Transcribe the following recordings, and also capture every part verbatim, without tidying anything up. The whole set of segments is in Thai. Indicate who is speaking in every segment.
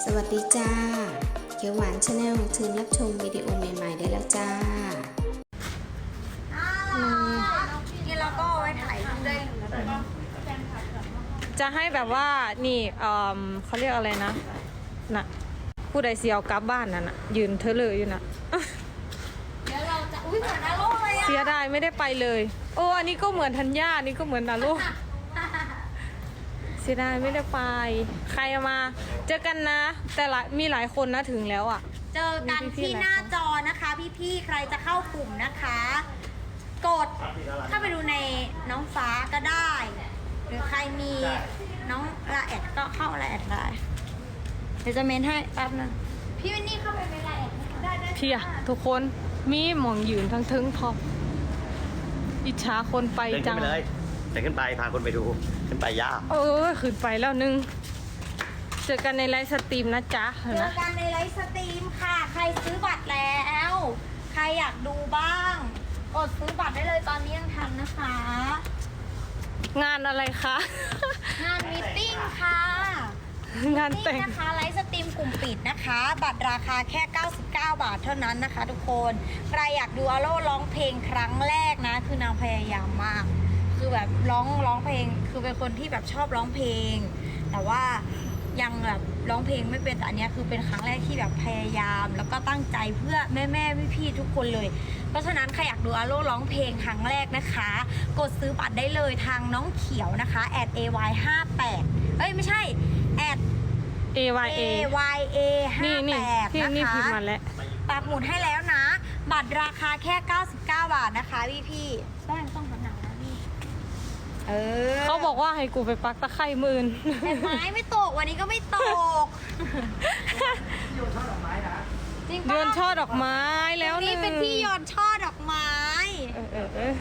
Speaker 1: สวัสดีจ้าเขียวหวานชาแนลเชิญรับชมวิดีโอใหม่ๆได้แล้วจ้า
Speaker 2: นี่เราก็เอาไว้ถ่ายรูปได้เลย
Speaker 3: จะให้แบบว่านี่เออเขาเรียกอะไรนะน่ะผู้ใดเสียวกลับบ้านนั่นน่ะยืนเธอเลยอยู่น่ะ
Speaker 2: เดี๋ยวเราจะอุ้ยเหมือนนาโร่เลยอะ
Speaker 3: เสียดายไม่ได้ไปเลยโอ้อันนี้ก็เหมือนธัญญาอันนี้ก็เหมือนนาโรเสียดายไม่ได้ไปใครมาเจอกันนะ แต่ละมีหลายคนนะถึงแล้วอ่ะ
Speaker 2: เจอกันที่หน้าจอนะคะพี่ๆใครจะเข้ากลุ่มนะคะ กดเข้าไปดูในน้องฟ้าก็ได้ หรือใครมีน้องละแอดก็เข้าละแอดได้เดี๋ยวจะเมนให้แป๊บนึงพี่วินนี่เข้าไปเมนละแอดได้ได้
Speaker 3: เพียทุกคนมีหมองยืนทั้งทึงพออิจฉาคนไป
Speaker 4: เดิน
Speaker 3: จั
Speaker 4: ขึ้น
Speaker 3: ง
Speaker 4: ไปเลยเดินขึ้นไปพาคนไปดูขึ้นไปยาก
Speaker 3: เออขึ้นไปแล้วนึงเจอกันในไลฟ์สตรีมนะจ๊ะ
Speaker 2: เจอ
Speaker 3: นะ
Speaker 2: กันในไลฟ์สตรีมค่ะใครซื้อบัตรแล้ว ใครอยากดูบ้างกดซื้อบัตรได้เลยตอนนี้ยังทันนะคะ
Speaker 3: งานอะไรคะ
Speaker 2: งานมีตติ้งค่ะ
Speaker 3: งาน
Speaker 2: นี่
Speaker 3: แต่ง
Speaker 2: นะคะไลฟ์สตรีมกลุ่มปิดนะคะ บัตรราคาแค่เก้าสิบเก้าบาทเท่านั้นนะคะ ทุกคนใครอยากดูอาโร่ร้องเพลงครั้งแรกนะ คือนางพยายามมาก คือแบบร้องร้องเพลง คือเป็นคนที่แบบชอบร้องเพลง แต่ว่ายังแบบร้องเพลงไม่เป็นแต่อันเนี้ยคือเป็นครั้งแรกที่แบบพยายาม แล้วก็ตั้งใจเพื่อแม่แม่พี่พี่ๆทุกคนเลย เพราะฉะนั้นใครอยากดูอาโร่ร้องเพลงครั้งแรกนะคะ กดซื้อบัตรได้เลยทางน้องเขียวนะคะ แอด เอ วาย ห้าแปด เอ้ยไม่ใช่ แอด
Speaker 3: เอ วาย เอ
Speaker 2: เอ วาย เอ ห้า
Speaker 3: นี่นี่
Speaker 2: แปด
Speaker 3: ที่
Speaker 2: นะ
Speaker 3: นี่พิม
Speaker 2: คะ
Speaker 3: พ์มาแล้ว
Speaker 2: ปักหมุดให้แล้วนะ บัตรราคาแค่เก้าสิบเก้าบาทนะคะพี่พี่ๆต้องต้องหันหนังนะพี่เออ
Speaker 3: เขาบอกว่าให้กูไปปักตะไคร่หมื่น
Speaker 2: เห็นไหมไม่ตกวันนี้ก็ไม่ตกจริงปะ
Speaker 3: เดือนช่อดอกไม้แล้ว
Speaker 2: นี่เป็นพี่โยนช่อดอกไม้
Speaker 3: เออเออเออ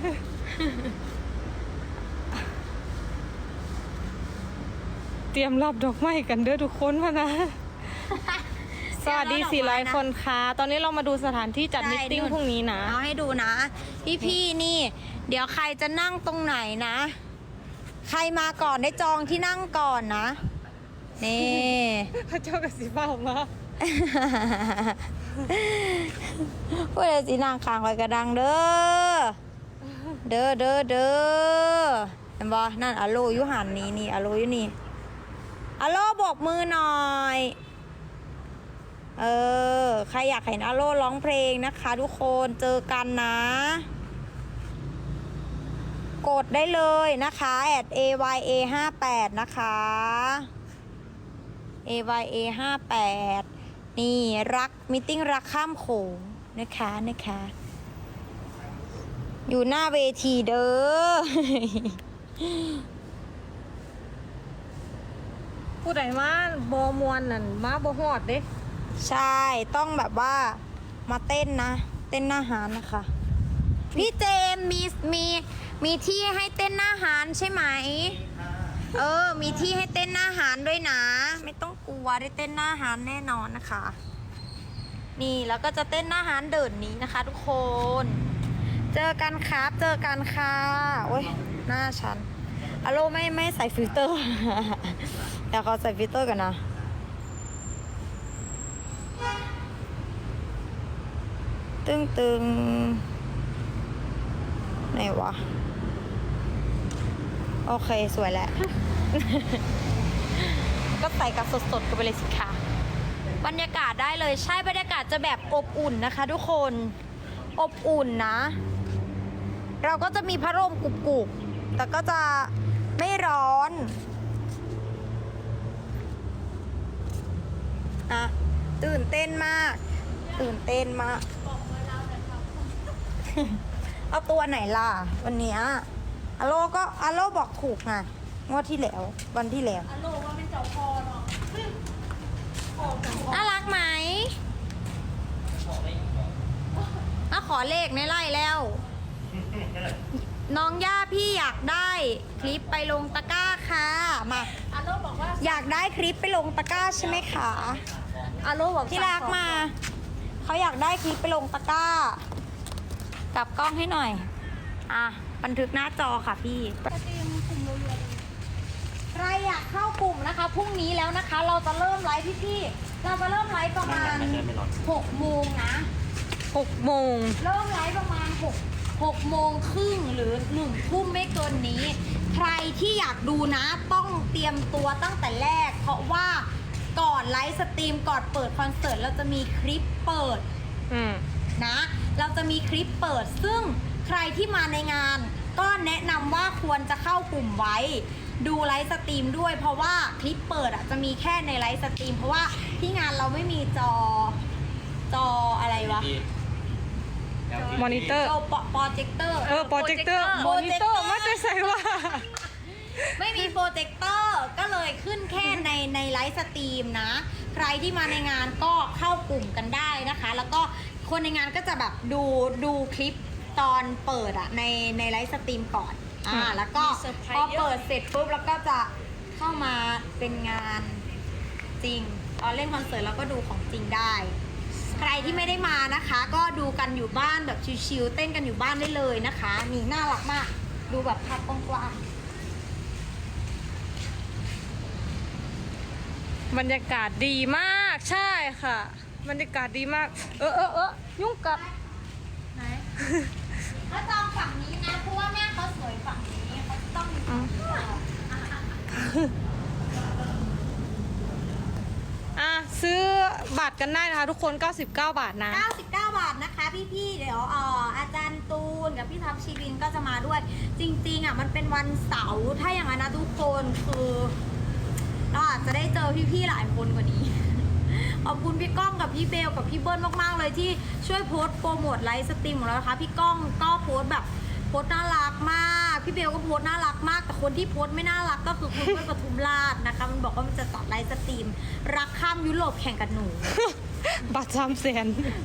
Speaker 3: เตรียมรับดอกไม้กันเด้อทุกคนมานะ สวัสดีสี่ร้อยคนค่ะ ตอนนี้เรามาดูสถานที่จัด
Speaker 2: ใช่
Speaker 3: มิทติ้ง
Speaker 2: นู่น
Speaker 3: พรุ่งนี้นะ
Speaker 2: เอาให้ดูนะ พี่พี่ๆนี่ เดี๋ยวใครจะนั่งตรงไหนนะ ใครมาก่อนได้จองที่นั่งก่อนนะนี่
Speaker 3: พระเจ้ากับสีฟ้าออกมา
Speaker 2: พูดเลยสินางคางไว้กระดังเด้อ เด้อเด้อเด้อเห็นบ่นั่นอาโลยุหันนี่นี่อาโลอยู่นี่อาโลบอกมือหน่อย เออ ใครอยากเห็นอาโลร้องเพลงนะคะ ทุกคนเจอกันนะ กดได้เลยนะคะแอด เอ วาย เอ ห้าแปด นะคะ เอ วาย เอ ห้าแปด นี่รักมิทติ้งรักข้ามโขงนะคะนะคะ อยู่หน้าเวทีเด้อ
Speaker 3: ผู้ใดมาบอมวนนั่นมาบอฮอดเด้
Speaker 2: ใช่ต้องแบบว่ามาเต้นนะ เต้นหน้าหารนะคะ พี่เจมส์มีมีมีที่ให้เต้นหน้าหารใช่ไหม เออ มีที่ให้เต้นหน้าหารด้วยนะ ไม่ต้องกลัวได้เต้นหน้าหารแน่นอนนะคะ นี่แล้วก็จะเต้นหน้าหารเดินนี้นะคะ ทุกคน เจอกันครับ เจอกันค่ะโอ้ยหน้าฉันอโลไม่ไม่ใส่ฟิลเตอร์ เดี๋ยวเขาใส่ฟิลเตอร์กันนะ ตึงตึงไหนวะ โอเคสวยแล้ว ก็ใส่กับสดๆกันไปเลยสิค่ะบรรยากาศได้เลยใช่บรรยากาศจะแบบอบอุ่นนะคะทุกคนอบอุ่นนะ เราก็จะมีพัดลมกรุบๆแต่ก็จะไม่ร้อนอะตื่นเต้นมาก ตื่นเต้นมาก เอาตัวไหนล่ะ วันเนี้ยอาโลก็อาโลบอกถูกไงงวดที่แล้ว วันที่แล้วอาโลว่าเป็นเจ้าพอเนาะน่ารักไหมมาขอเลขในไล่แล้ว น้องย่าพี่อยากได้คลิปไปลงตะกร้าค่ะมาอาโลบอกว่าอยากได้คลิปไปลงตะกร้าใช่ไหมคะอาโลบอกที่รักมาเขาอยากได้คลิปไปลงตะกร้ากลับกล้องให้หน่อยอ่ะบันทึกหน้าจอค่ะพี่ใครอยากเข้ากลุ่มนะคะพรุ่งนี้แล้วนะคะ เราจะเริ่มไลฟ์พี่เราจะเริ่มไลฟ์ประมาณหกโมงนะ
Speaker 3: หกโมง
Speaker 2: เริ่มไลฟ์ประมาณหก หกโมงครึ่งหรือหนึ่งทุ่มไม่เกินนี้ ใครที่อยากดูนะต้องเตรียมตัวตั้งแต่แรก เพราะว่าก่อนไลฟ์สตรีมก่อนเปิดคอนเสิร์ตเราจะมีคลิปเปิด
Speaker 3: อืม
Speaker 2: นะเราจะมีคลิปเปิดซึ่งใครที่มาในงานก็แนะนำว่าควรจะเข้ากลุ่มไว้ดูไลฟ์สตรีมด้วยเพราะว่าคลิปเปิดอ่ะจะมีแค่ในไลฟ์สตรีมเพราะว่าที่งานเราไม่มีจอจออะไรวะ
Speaker 3: มอนิเตอร์
Speaker 2: จอโปรเจคเตอร์
Speaker 3: เออโปรเจคเตอร์มอนิเตอร์ไม่ได้ใส่ว่า
Speaker 2: ไม่มีโปรเจคเตอร์ก็เลยขึ้นแค่ในในไลฟ์สตรีมนะใครที่มาในงานก็เข้ากลุ่มกันได้นะคะ แล้วก็คนในงานก็จะแบบดูดูคลิปตอนเปิดอะในในไลฟ์สตรีมก่อนอ่า
Speaker 3: อืม
Speaker 2: แล้วก็พอเปิดเสร็จปุ๊บแล้วก็จะเข้ามาเป็นงานจริงตอนเล่นคอนเสิร์ตแล้วก็ดูของจริงได้ ใครที่ไม่ได้มานะคะ ก็ดูกันอยู่บ้านแบบชิลๆเต้นกันอยู่บ้านได้เลยนะคะนี่น่ารักมากดูแบบภาพกว้างๆ
Speaker 3: บรรยากาศดีมากใช่ค่ะ บรรยากาศดีมาก เออเออเออยุ่งกับ
Speaker 2: ไหนเขาจองฝั่งนี้นะ เพราะว่าแม่เขาสวยฝั่งนี้เขาต้องมีฝั่งนี้
Speaker 3: อ่ะซื้อบัตรกันได้นะคะทุกคน เก้าสิบเก้า บาทนะ
Speaker 2: เก้าสิบเก้าบาทนะคะพี่ๆเดี๋ยวเอ่ออาจารย์ตูนกับพี่ทัพชีวินก็จะมาด้วย จริงๆอ่ะมันเป็นวันเสาร์ถ้าอย่างนั้นนะทุกคนคือเราอาจจะได้เจอพี่ๆหลายคนกว่านี้ ขอบคุณพี่ก้องกับพี่เบลกับพี่เบิ้ลมากๆเลยที่ช่วยโพสต์โปรโมทไลฟ์สตรีมของเรานะคะพี่ก้องก็โพสต์แบบโพสต์น่ารักมากพี่เบลก็โพสต์น่ารักมากแต่คนที่โพสต์ไม่น่ารักก็คือคุณเบิ้ลปทุมราชนะคะมันบอกว่ามันจะจัดไลฟ์สตรีมรักข้ามยุโรปแข่งกับหนู
Speaker 3: บัตรสามแสน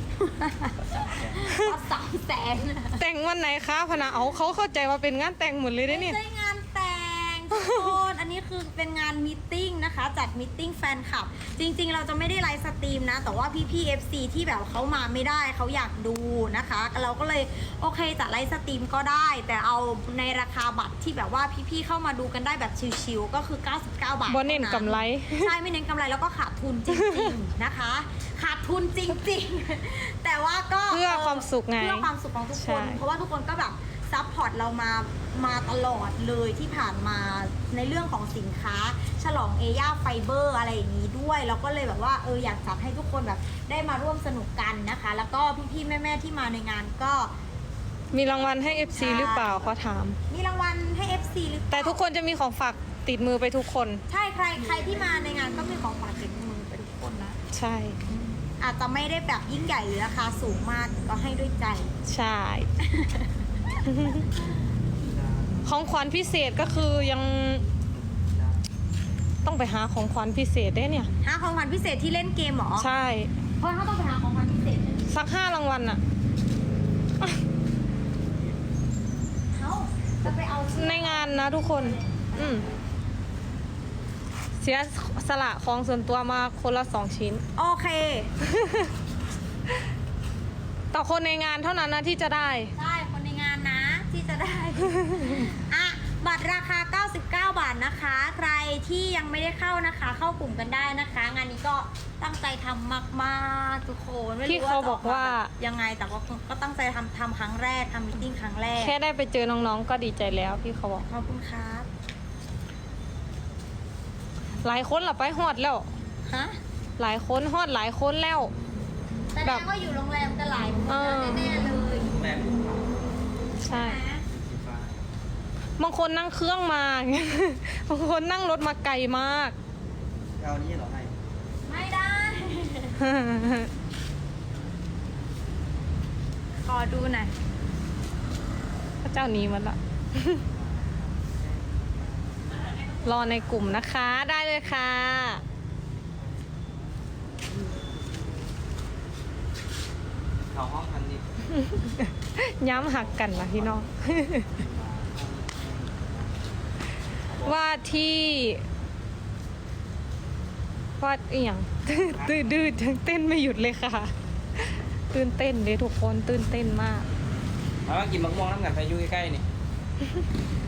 Speaker 2: ก็สามแสน
Speaker 3: แต่งวันไหนคะพนะเอาเขาเข้าใจว่าเป็นงานแต่งหมดเลยได้
Speaker 2: ไม่
Speaker 3: เนี่ย
Speaker 2: ใช่งานแต่งทุกคนอันนี้คือเป็นงานมีตติ้งนะคะจัดมีตติ้งแฟนคลับ จริงๆ เราจะไม่ได้ไลฟ์สตรีมนะ แต่ว่าพี่ๆ เอฟ ซี ที่แบบเขามาไม่ได้เขาอยากดูนะคะ เราก็เลยโอเคจัดไลฟ์สตรีมก็ได้ แต่เอาในราคาบัตรที่แบบว่าพี่ๆเข้ามาดูกันได้แบบชิลๆก็คือเก้าสิบเก้าบาท
Speaker 3: บ่เน้นกำไร
Speaker 2: ใช่ไม่เน้นกำไรแล้วก็ขาดทุนจริงๆนะคะ ขาดทุนจริงๆ แต่ว่าก็
Speaker 3: เพื่อความสุขไง
Speaker 2: เพื่อความสุขของทุกคน
Speaker 3: ใช่
Speaker 2: เพราะว่าทุกคนก็แบบซัพพอร์ตเรามามาตลอดเลยที่ผ่านมาในเรื่องของสินค้า ฉลองเอย่าไฟเบอร์อะไรอย่างนี้ด้วยเราก็เลยแบบว่าเอออยากจัดให้ทุกคนแบบได้มาร่วมสนุกกันนะคะ แล้วก็พี่ๆแม่ๆที่มาในงานก็
Speaker 3: มีรางวัลให้ เอฟ ซี หรือเปล่าเขาถาม
Speaker 2: มีรางวัลให้ เอฟ ซี หรือเปล่า
Speaker 3: แต่ทุกคนจะมีของฝากติดมือไปทุกคน
Speaker 2: ใช่ใครใครที่มาในงานก็มีของฝากติดมือไปทุกคนนะ
Speaker 3: ใช่
Speaker 2: อาจจะไม่ได้แบบยิ่งใหญ่หรือราคาสูงมากก็ให้ด้วยใจ
Speaker 3: ใช่ ของขวัญพิเศษก็คือยัง ต้องไปหาของขวัญพิเศษได้เนี่ย
Speaker 2: หาของขวัญพิเศษที่เล่นเกมเหรอ
Speaker 3: ใช่
Speaker 2: เพราะเขาต้องไปหาของขวัญพิเศษ
Speaker 3: สักห้ารางวัลอะ
Speaker 2: เขาจะไปเอาชื่อ
Speaker 3: ในงานนะทุกคน อืมเสียสละของส่วนตัวมาคนละสองชิ้น
Speaker 2: โอเค
Speaker 3: ต่อคนในงานเท่านั้นนะที่จะได้
Speaker 2: ใช่คนในงานนะที่จะได้ อ่ะบัตรราคาเก้าสิบเก้าบาทนะคะ ใครที่ยังไม่ได้เข้านะคะ เข้ากลุ่มกันได้นะคะ งานนี้ก็ตั้งใจทำมากๆทุกคนไม่รู้
Speaker 3: ที่เขาบอกว่า
Speaker 2: จะมยังไงแต่ว่าก็ตั้งใจทำทำครั้งแรกทำมิทติ้งครั้งแรก
Speaker 3: แค่ได้ไปเจอน้องๆก็ดีใจแล้วพี่เขาบอก
Speaker 2: ขอบคุณครับ
Speaker 3: หลายคนหลับไปฮอดแล้ว
Speaker 2: ฮะ
Speaker 3: หลายคนฮอดหลายคนแล้ว
Speaker 2: แสด
Speaker 3: แบ
Speaker 2: ง
Speaker 3: บ
Speaker 2: ว่าอยู่โรงแรมกันหลายคน
Speaker 3: เออ
Speaker 2: แน่ๆเลย
Speaker 4: แม่
Speaker 3: ใช่
Speaker 2: นะ
Speaker 3: บางคนนั่งเครื่องมา บางคนนั่งรถมาไกลมาก
Speaker 4: เอานี้เหรอให้
Speaker 2: ไม่ได้ ขอดูหน่อย
Speaker 3: พระเจ้าหนี้มันละ รอในกลุ่มนะคะ ได้เลยค่ะ
Speaker 4: เข้าห้องพันดิ
Speaker 3: ย้ำหักกันนะพี่น้อง ว่าที่ว่าอีหยัง ตื่นดื้อจังเต้นไม่หยุดเลยค่ะ ตื่นเต้นเลยทุกคนตื่นเต้นมาก
Speaker 4: มาว่ากินมะม่วงน้ำกันไปอยู่ใกล้ๆนี่